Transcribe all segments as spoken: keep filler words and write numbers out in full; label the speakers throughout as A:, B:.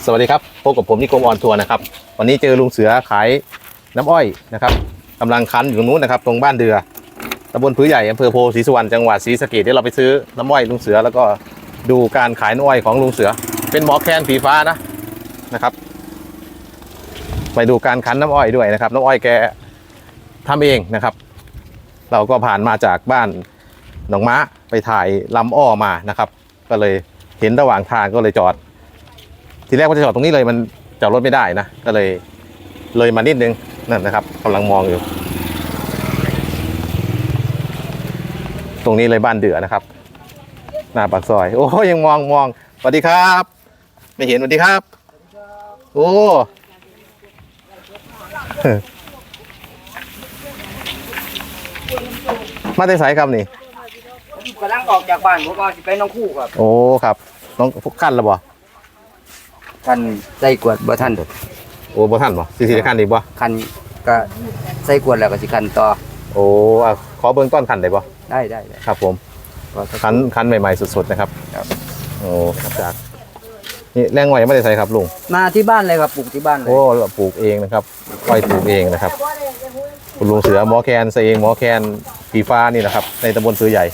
A: สวัสดีครับพบกับผมนิคมออนทัวร์นะครับวันนี้เจอลุงเสือขายน้ำอ้อยนะครับกำลังคั้นอยู่ตรงนู้นนะครับตรงบ้านเดือตำบลพื้นใหญ่อำเภอโพธิ์ศรีสุวรรณจังหวัดศรีสะเกษที่เราไปซื้อน้ำอ้อยลุงเสือแล้วก็ดูการขายน้ำอ้อยของลุงเสือเป็นหมอแคนสีฟ้านะนะครับไปดูการคั้นน้ำอ้อยด้วยนะครับน้ำอ้อยแกทำเองนะครับเราก็ผ่านมาจากบ้านหนองม้าไปถ่ายลำอ้อมานะครับก็เลยเห็นระหว่างทางก็เลยจอดทีแรกว่าจะจอดตรงนี้เลยมันจอดรถไม่ได้นะก็เลยเลยมานิดนึงนั่นนะครับกำลังมองอยู่ตรงนี้เลยบ้านเดือนะครับหน้าปากซอยโอ้ยังมองมองสวัสดีครับไม่เห็นสวัสดีครับโอ้มาได้สายครับนี่
B: กำลังออกจากบ้านผมก็จะไปน้องคู่ครับ
A: โอ้ครับน้องขั้นแล้วบ่
B: คันใส่กวดบ่ท่านเด้อ
A: โอ้บ่ท่านบ่สิสิขั้นอีกบ่
B: คันก็ใส่กวดแล้วก็สิคันต่อ
A: โอ้ขอเบื้องต้นขั้นได้บ่
B: ได้ได้ได้
A: ครับผมขั้นขั้นใหม่ๆสุดๆนะครับครับโอ้ครับจากนี่แรงอ้อยไม่ได้ใส่ครับลุง
B: มาที่บ้านเลยครับปลูกที่บ้านเลย
A: โอ้เราปลูกเองนะครับอ้อยปลูกเองนะครับคุณลุงเสือหมอแคนใส่เองหมอแคนสีฟ้านี่นะครับในตำบลพื้นใหญ่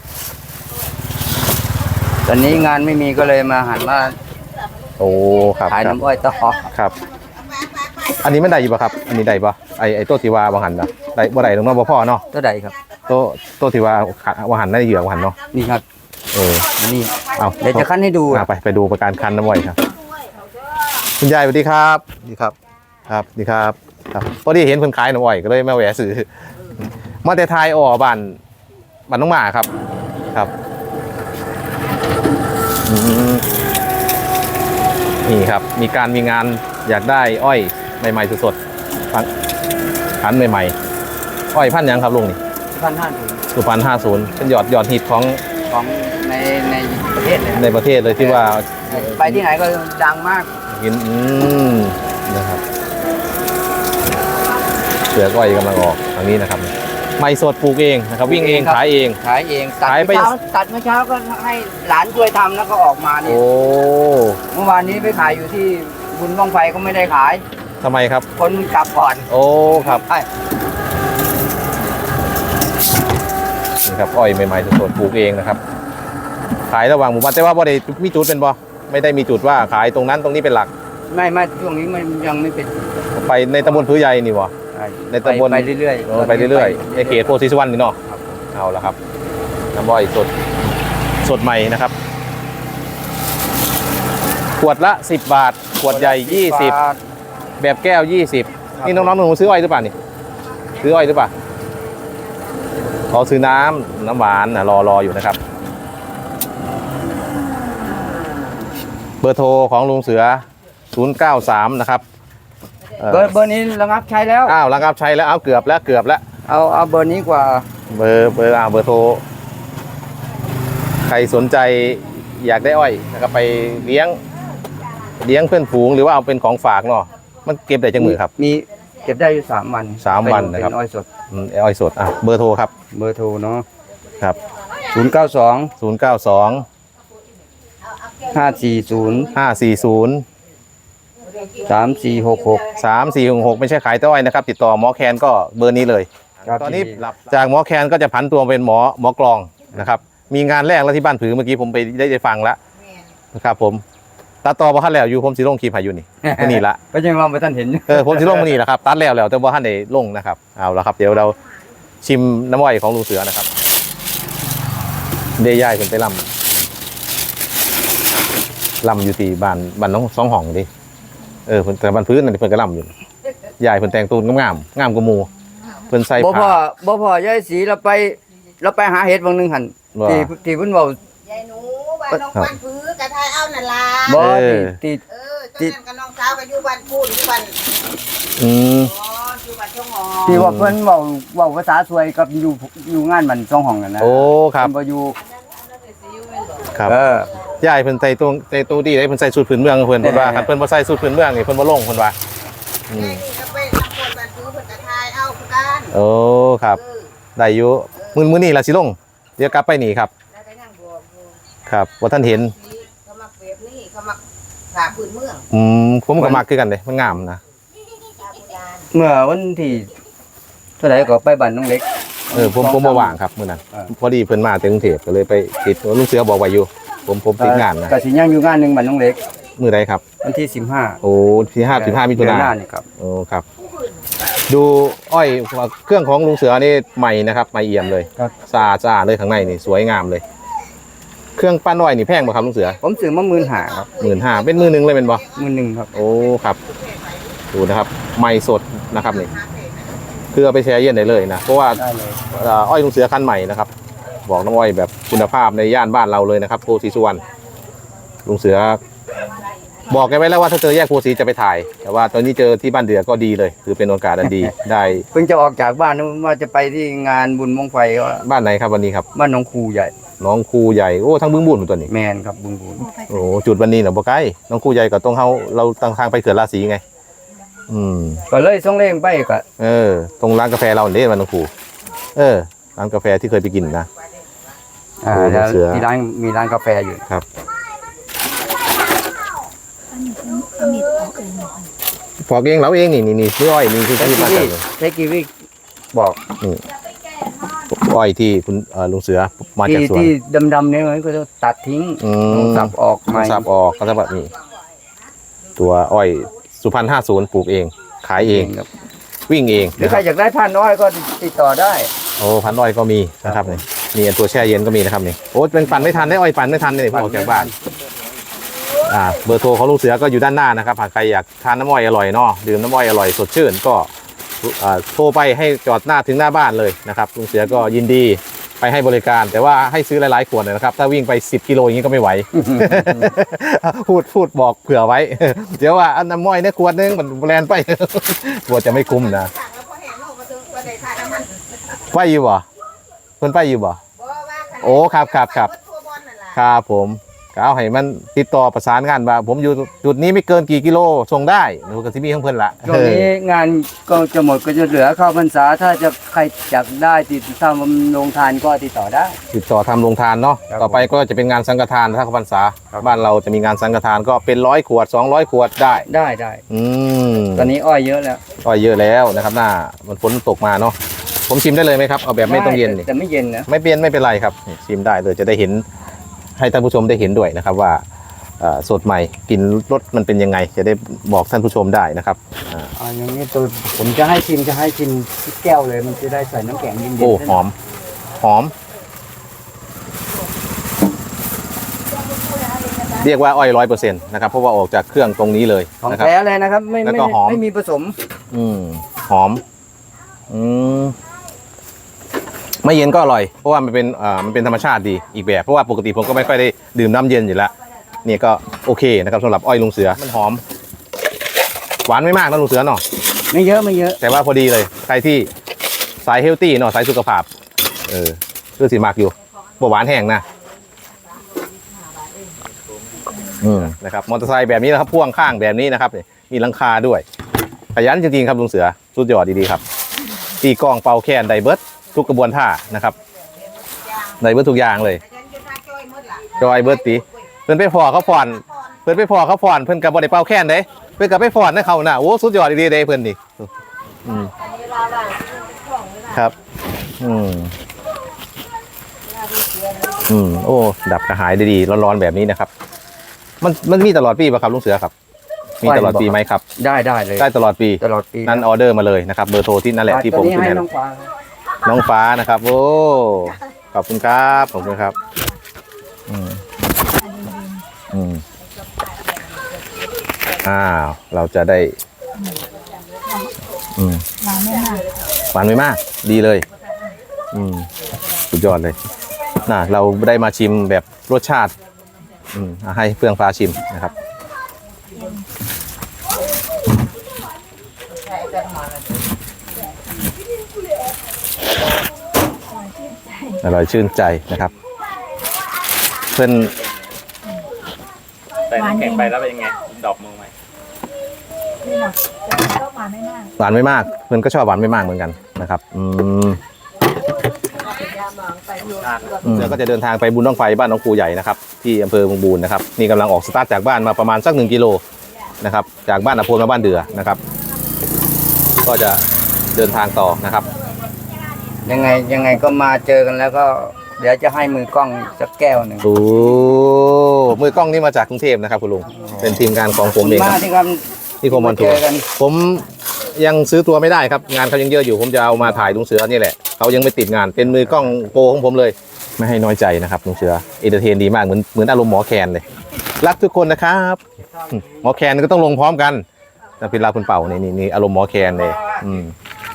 B: ตอนนี้งานไม่มีก็เลยมาหันมา
A: โอ้ครับ
B: ขายน้ำอ้อยต่อ
A: ครับอันนี้ไม่ได้อยู่ป่ะครับอันนี้ได้ป่ะไอไอโต๊ะทีวาบางหันนะได้บ่ได้ตรงนั้นบ่พ่อเนาะ
B: ตัวใดครับ
A: โต๊ะโต๊ะทีวาบางหันได้เหยื่อบางหันเนาะ
B: นี่ครับ
A: เออ
B: นี่
A: เอา
B: เดี๋ยวจะคั้นให้ดู
A: ไปไปดูประการคั้นน้ำอ้อยครับคุณยายสวัสดีครับดีครับครับดีครับครับพอดีเห็นคนขายน้ำอ้อยก็เลยมาแวะซื้อมาแต่ไทยอ๋อบ้านบ้านน้องหมาครับครับนี่ครับมีการมีงานอยากได้อ้อยใหม่ๆสดๆพันใหม่ๆอ้อยพันยังครับลุงนี่
B: พันห้าศูนย์
A: สุพรรณห้าศูนย์เป็นยอดยอดฮิตของ
B: ของในในประเทศเลย
A: ในประเทศเลยที่ว่า
B: ไปที่ไหนก็ดังมาก
A: กินอืมนะครับเสืออ้อยกำลังออกทางนี้นะครับไม่สดปลูกเองนะครับวิ่งเองขายเอง
B: ขายเองตัดไปตัดเมื่อเช้าก็ให้หลานช่วยทำแล้วก็ออกมานี่
A: โอ้
B: เมื่อวานนี้ไปขายอยู่ที่บุญบ้องไฟก็ไม่ได้ขาย
A: ทำไมครับ
B: คนกลับก่อน
A: โอ้ครับนี่ครับอ้อยใหม่ๆสดๆปลูกเองนะครับขายระหว่างหมู่บ้านแต่ว่าบ่ได้มีจุดเป็นบ่ไม่ได้มีจุดว่าขายตรงนั้นตรงนี้เป็นหลัก
B: ไม่ไม่ช่วงนี้มันยังไม่เป็น
A: ไปในตำบลพื้นใหญ่นี่บ่ในตำบล
B: ไปเรื่อย
A: ๆไปเรื่อยๆในเขตโพธิ์ศรีสุวรรณนี่เนาะเอาละครับน้ำอ้อยสดสดใหม่นะครับขวดละสิบบาทขวดใหญ่ยี่สิบแบบแก้วยี่สิบนี่น้องๆหนูซื้ออ้อยหรือเปล่านี่ซื้ออ้อยหรือเปล่าเขาซื้อน้ำน้ำหวานนะรอรออยู่นะครับเบอร์โทรของลุงเสือศูนย์เก้าสามนะครับ
B: เบอร์เบอร์นี้ระงับใช้แล้ว
A: อ้าวระงับใช้แล้วเอาเกือบแล้วเกือบแล้ว
B: เอาเอาเบอร์นี้กว่า
A: เบอร์เบอร์อ่าเบอร์โทรใครสนใจอยากได้อ้อยนะครับไปเลี้ยงเลี้ยงเพื่อนฝูงหรือว่าเอาเป็นของฝากเนาะมันเก็บได้จังมือครับ
B: มีเก็บได้อยู่สามวัน
A: สามวันนะครับ
B: อ้อยสด
A: อ้อยสดอ่ะเบอร์โทรครับ
B: เบอร์โทรเนาะ
A: ครับ
B: ศูนย์เก้าสอง
A: ศูนย์เก้าสอง
B: ห้าสี่ศูนย์
A: ห้าสี่ศูนย์
B: สามสี่หกหก
A: สามสี่หกหกไม่ใช่ขายต้อยนะครับติดต่อหมอแคนก็เบอร์นี้เลยตอนนี้จากหมอแคนก็จะผันตัวเป็นหมอหมอกลองนะครับมีงานแรกแล้วที่บ้านผือเมื่อกี้ผมไปได้ได้ฟังแล้วนะครับผมตัดต่อบ่ทันแล้วอยู่ผมสิลงคลิปให้อยู่นี่นี่ละ
B: ก็ยังมองไปท่านเห็น
A: เออผมสิลงมานี่แหละครับตัดแล้วแล้วแต่บ่ทันได้ลงนะครับเอาละครับเดี๋ยวเราชิมน้ำอ้อยของลุงเสือนะครับเดย่ายเพิ่นไปลำลำอยู่ที่บ้านบ้านน้องสองห้องดิเออเพิ่นแต่บ้านพื้นนั่นเพิ่นก็ลำอยู่ยายเพิ่นแต่งตูนงามงามกว่าหมู่เพิ่นใส่
B: ผ้าบ่พอบ่พอยายสีเราไปเราไปหาเห็ดบางนึงหั่นที่ที่เพิ่นเว้ายายหนูบ้านน้องบ้านพื้นกะทายเอานั่นล่ะบ่ติด
C: เออตอนนั้นกับน้องสาวก็อยู่บ้านพูนอยู่บ้าน
A: อืม
C: อ๋ออยู่บ้านช่องหอ
B: ที่ว่าเพิ่นเว้าเว้าภาษาสวยกับอยู่อยู่งานบ้านช่องห้องนั่นนะ
A: โอ้ครับ
B: บ่อยู่
A: ครับเออยายเพิ่นใส่ตัวใส่ตัวดีได้เพิ่นใส่สูทพื้นเมืองเพิ่นเพิ่นว่าคันเพิ่นบ่ใส่สูทพื้นเมืองนี่เพิ่นบ่ลงเพิ่นว่า
C: อืมก็ไปทำคนบ้านพื้นเพิ่นกะทายเอาคือกัน
A: โอ้ครับได้อยู่มื้อมื้อนี้ล่ะสิลงเดี๋ยวกลับไปนี่ครับครับว่าท่านเห็น
C: เขามักแบบนี้เขามักผ่าพื้นเมือง
A: อืมผมก็มักคือกันเลยมันงามนะ
C: ผ่าโบราณ
B: เมื่อวันที่เท่าไหร่ก็ไปบ้านน้องเล็ก
A: เออผมผมบ่ว่างครับมื้อนั้น
B: อ่า
A: พอดีเพิ่นมาจากกรุงเทพก็เลยไปติดลุงเสือบอกไว้อยู่ ผมผมติดงานนะ
B: ก็สิย่างอยู่งานหนึงบ้านน้องเล็ก
A: มื้อใดครับ
B: วันที่สิบห้า
A: โอ้ที่ห้าสิบห้ามิถุ
B: เดือน
A: นาย
B: หน้าน นี่ครับ
A: โอ้ครับ ดูอ้อยเครื่องของลุงเสือนี่ใหม่นะครับใหม่เอี่ยมเลย
B: ครับ
A: สะอาดสะอาดเลยข้างในนี่สวยงามเลย เครื่องปั้นอ้อยนี่แพงบ่ครับลุงเสือ
B: ผมซื้อมาหมื่นห้าครับ
A: หมื่นห้าเป็นมือหนึ่งเลยเป็นบ่
B: หมื่นหนึ่งครับ
A: โอ้ครับดูนะครับใหม่สดนะครับนี่คือเอาไปแช่เย็นได้เลยนะเพราะว่า
B: ได้เลย
A: เอ่ออ้อยลุงเสือคันใหม่นะครับบอกน้องอ้อยแบบคุณภาพในย่านบ้านเราเลยนะครับโพสีสุวรรณลุงเสือ บอกแกไว้แล้วว่าถ้าเจอแยกโพสีจะไปถ่าย แต่ว่าตอนนี้เจอที่บ้านเดือก็ดีเลย คือเป็นโอกาสอันดี ได้
B: เพิ่งจะออกจากบ้านนะว่าจะไปที่งานบุญมงไฟก็
A: บ้านไหนครับวันนี้ครับ
B: บ้านหนองคูใหญ่
A: น้องครูใหญ่โอ้ทั้งบึ้งบุญตัวนี้
B: แมนครับบุญบุญ
A: โอ้จุดวันนี้เนาะบ่ไกลน้องครูใหญ่กับตรงเฮาเราตั้งทางไปเขื่อนราศีไง อืม
B: ก็เลยส่งเร่งไปก็
A: เออ ตรงร้านกาแฟเราเนี่ยมันน้องครูเออร้านกาแฟที่เคยไปกินนะ
B: อ่า
A: โอ้
B: แล้ว
A: เสือ
B: ที่ร้านมีร้านกาแฟอยู่
A: ครับพอกเองเราเองนี่นี่นี่ชื่ออ้อยนี่คือ
B: เท
A: ที่
B: กิ
A: มา
B: วิ
A: จาก
B: เทกิวิบอก
A: อ้อยที่คุณเอ่อลุงเสือมาจาก
B: ที่
A: สวน
B: ที่ดำๆเนี่ยมันก็จะตัดทิ้ง
A: อืม
B: ต้องสับออกใหม่
A: สับออกก็จะแบบนี้ตัวอ้อยสุพรรณห้าศูนย์ปลูกเอง ขายเอง
B: ครับ
A: วิ่งเอง
B: หรือ
A: นะ
B: ใค
A: ค
B: ร
A: รับ
B: อยากได้พันน้อยก็ติดต่อได้
A: โอ้พันอ้อยก็มีนะครับนี่มีตัวแช่เย็นก็มีนะครับนี่โอ้เป็นปั่นไม่ทันได้อ้อยปั่นไม่ทันเลยพอออกจากบ้านอ่าเบอร์โทรของลุงเสือก็อยู่ด้านหน้านะครับหากใครอยากทานน้ำอ้อยอร่อยเนาะดื่มน้ำอ้อยอร่อยสดชื่นก็อ่าโทรไปให้จอดหน้าถึงหน้าบ้านเลยนะครับลุงเสือก็ยินดีไปให้บริการ แต่ว่าให้ซื้อหลายๆขวดเลยนะครับถ้าวิ่งไปสิบกิโลอย่างนี้ก็ไม่ไหว พูดพูดบอกเผื่อไว้ เดี๋ยวว่าอันน้ำอ้อยเนี่ยขวดนึงมันแบรนด์ไป กลัวจะไม่คุ้มนะ
C: สั่งแล้วพอแห้งโลกมาถึงก็ได้ทานน้ำมัน
A: ไปอยู่บ่เพิ่นไปอยู่บ่
C: บ่ว่าขนาด
A: โอ้ครับครับครับ
C: ทั่วบอลนั่นล่ะ
A: ครับผมก็เอาให้มันติดต่อประสานงานว่าผมอยู่จุดนี้ไม่เกินกี่กิโลส่งได้หนูกับที่มีของเพิ่นละ
B: ช่วงนี้งานก็จะหมดก็จะเหลือเข้าพรรษาถ้าจะใครอยากได้ติดตามโรงทานก็ติดต่อได้
A: ติดต่อทำโรงทานเนาะ
B: ครับ
A: ต่อไปก็จะเป็นงานสังฆทานถ้าเข้าพรรษา
B: ครับ
A: บ้านเราจะมีงานสังฆทานก็เป็นร้อยขวดสองร้อยขวดได้
B: ได้ได้
A: อืม
B: ตอนนี้อ้อยเยอะแล้ว
A: ก็เยอะแล้วนะครับหน้ามันฝนตกมาเนาะผมชิมได้เลยไหมครับเอาแบบไม่ต้องเย็นนี่
B: แต่ไม่เย็นนะ
A: ไม่เปลี่ยนไม่เป็นไรครับนี่ชิมได้เลยจะได้เห็นให้ท่านผู้ชมได้เห็นด้วยนะครับว่าเอ่อสดใหม่กลินรสมันเป็นยังไง จะได้บอกท่านผู้ชมได้นะครับอ่า
B: อ่าอย่างนี้ตัวผมจะให้ชิมจะให้ชิมที่แก้วเลยมันจะได้ใส่น้ำแข็งเย็นๆ
A: โอ้หอมหอม เรียกว่าอ้อยร้อยเปอร์เซ็นต์นะครับเพราะว่าออกจากเครื่องตรงนี้เลย
B: ของ
A: นะครับ
B: แท้เลยนะครับ ไม่
A: แล้ว
B: ไม่
A: ก็หอม
B: ไม่มีผสม
A: อืมหอมอืมไม่เย็นก็อร่อย เพราะว่ามันเป็นอ่ามันเป็นธรรมชาติดีอีกแบบเพราะว่าปกติผมก็ไม่ค่อยได้ดื่มน้ำเย็นอยู่แล้วนี่ก็โอเคนะครับสำหรับอ้อยลุงเสือมันหอม หวานไม่มากนะลุงเสือเนาะ
B: ไม่เยอะไม่เยอะ
A: แต่ว่าพอดีเลยใครที่สายเฮลตี้เนาะสายสุขภาพเออคือสีมากอยู่บ่หวานแห้งนะอืมนะครับมอเตอร์ไซค์แบบนี้นะครับพ่วงข้างแบบนี้นะครับนี่มีหลังคาด้วยขยันจริงๆครับลุงเสือสุดยอดดีๆครับตีกลองเป่าแคนไดเบิร์ดทุกกระบวนท่านะครับไดเบิร์ดทุกอย่างเลย
C: ฉันจะทาจ้อยหมดล่ะ
A: จอยเบิร์ดตีเพิ่นไปพอเขาผ่อนเพิ่นไปพอเขาผ่อนเพิ่นกับบ่ได้เป่าแคนเด้เพิ่นกับไปผ่อนให้เขาน่ะโอ้สุดยอดดีๆเด้เพิ่นนี่อืมครับ อืมอืมโอ้ดับกระหายดีๆร้อนๆแบบนี้นะครับ มันมันมีตลอดปีป่ะครับลุงเสือครับ มีตลอดปีไหมครับ
B: ได้ได้เลย
A: ได้ตลอดปี
B: ตลอดปี
A: นั้นออเดอร์มาเลยนะครับเบอร์โทรที่นั่นแหละที่ผม
B: ตอนนี้
A: ขึ้น
B: ให้
A: ให้
B: น้องฟ้า
A: น้องฟ้านะครับ โอ้ขอบคุณครับขอบคุณครับ อืมอืมอ้าวเราจะได้ อืม
D: หวานไม่มาก
A: หวานไม่มาก ดีเลย อืมสุดยอดเลยน่ะเราได้มาชิมแบบรสชาติ อืมอ่ะให้เฟื่องฟ้าชิมนะครับ อร่อยชื่นใจนะครับ เพื่อน
D: ใส่น้ำแข็งไปแล้วเป็นยังไงดอกมือไหมนี่หรอกแต่ก็หวานไม่มาก
A: หวานไม่มาก เพื่อนก็ชอบหวานไม่มากเหมือนกันนะครับ อืมลุงเสือก็จะเดินทางไปบุญบั้งไฟบ้านน้องครูใหญ่นะครับที่อำเภอเมืองบูรณ์นะครับนี่กำลังออกสตาร์ทจากบ้านมาประมาณสักหนึ่งกิโลนะครับจากบ้านอโพนมาบ้านเดือนะครับก็จะเดินทางต่อนะครับ
B: ยังไงยังไงก็มาเจอกันแล้วก็เดี๋ยวจะให้มือกล้องสักแก้วหนึ่ง
A: โอ้มือกล้องนี่มาจากกรุงเทพนะครับคุณลุงเป็นทีมงานของผมเองค
B: มา
A: รับ
B: ที่ครับ
A: ที่ผมมอนทัว
B: เจ
A: ร์
B: อกัน
A: ผมยังซื้อตัวไม่ได้ครับงานเขายังเยอะอยู่ผมจะเอามาถ่ายลุงเสือนี่แหละเขายังไม่ติดงานเป็นมือกล้องโปรของผมเลยไม่ให้น้อยใจนะครับลุงเสือเอนเตอร์เทนดีมากเหมือนเหมือนอารมณ์หมอแคนเลยรักทุกคนนะครับหมอแคนก็ต้องลงพร้อมกันนะพี่ลาคุณเป่านี่นี่นี่อารมณ์หมอแคนเลยอืม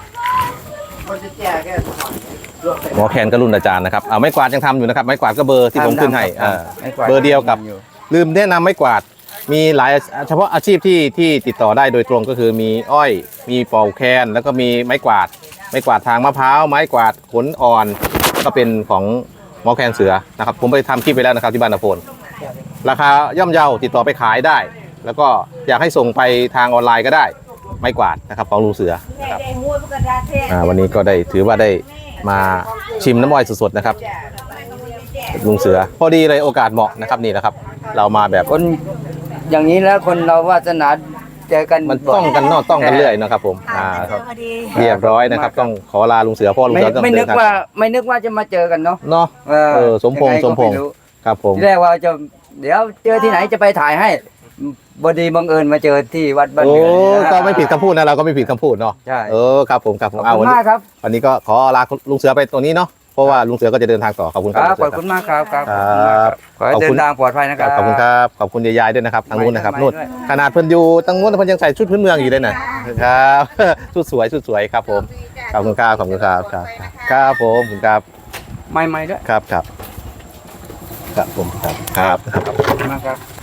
A: หมอแคนก็รุ่นอาจารย์นะครับเอาไม้กวาดยังทำอยู่นะครับไม้กวาดก็เบอร์ที่ผมขึ้นให้อ่าเบอร์เดียวกับลืมแนะนำไม้กวาดมีหลายเฉพาะอาชีพที่ที่ติดต่อได้โดยตรงก็คือมีอ้อยมีเป่าแคนแล้วก็มีไม้กวาดไม้กวาดทางมะพร้าวไม้กวาดขนอ่อนก็เป็นของหมอแคนเสือนะครับผมไปทำคลิปไปแล้วนะครับที่บ้านนาโพนราคาย่อมเยาติดต่อไปขายได้ แล้วก็อยากให้ส่งไปทางออนไลน์ก็ได้ไม้กวาดนะครับของลุงเสือนะครับอ่าวันนี้ก็ได้ถือว่าได้มาชิมน้ำอ้อยสดๆนะครับลุงเสือพอดีเลยโอกาสเหมาะนะครับนี่นะครับเรามาแบบ
B: คนอย่างนี้แล้วคนเราวาสนาเจอกัน
A: มันต้องกันนอกต้องกันเรื่อยนะครับผมอ่าครับเรียบร้อยนะครับต้องขอลาลุงเสือเพ่อลุง
B: ไม่
A: เสือต้อง
B: ไม่
A: เดิ
B: นึ
A: น
B: ก
A: ทาง
B: ว่าไม่นึกว่าจะมาเจอกันเนาะ
A: เนาะ
B: เออ
A: เออสมพงษ์
B: ยังไ
A: สมพงษ์
B: ก็ไรู้
A: ครับผม
B: ที่แรกว่าจะเดี๋ยวเจอที่ไหนจะไปถ่ายให้บดีบังเอิญมาเจอที่วัดบ้าน
A: โอ้
B: เดือน
A: ก็ไม่ผิดคำพูดนะเราก็ไม่ผิดคำพูดเนาะ
B: ใช่
A: เออครับผมครับผ
B: ขอ
A: ม
B: บ
A: เอา
B: คุ
A: วัน
B: ณ
A: นี้
B: มากครับ
A: วันนี้ก็ขอลาลุงเสือไปตรงนี้เนาะเพราะว่าลุงเสือก็จะเดินทางต่อขอบคุณค
B: ค
A: รั
B: รั
A: บบ ลุง
B: ข
A: เสื
B: อบ
A: อ
B: คุณมากครับครับ
A: ครับ
B: ขอให้
A: ขอบ
B: เดิ
A: คุณ
B: นทางปลอดภัยนะครับ
A: ขอบคุณครับขอบคุณยายๆด้วยนะครับทางนู้นนะครับ
B: ไม่
A: นู่น
B: ด้วย
A: ขนาดเพิ่นอยู่ทางนู้นเพิ่นยังใส่ชุดพื้นเมืองอยู่เลยนะครับ ชุดสวยชุดสวยครับผมขอบคุณครับขอบคุณครับครับครับผมขอบคุณครับ
B: ไม่ไม่ด้วย
A: ครับครับครับผมครับครับ
B: ขอบคุณมากครับ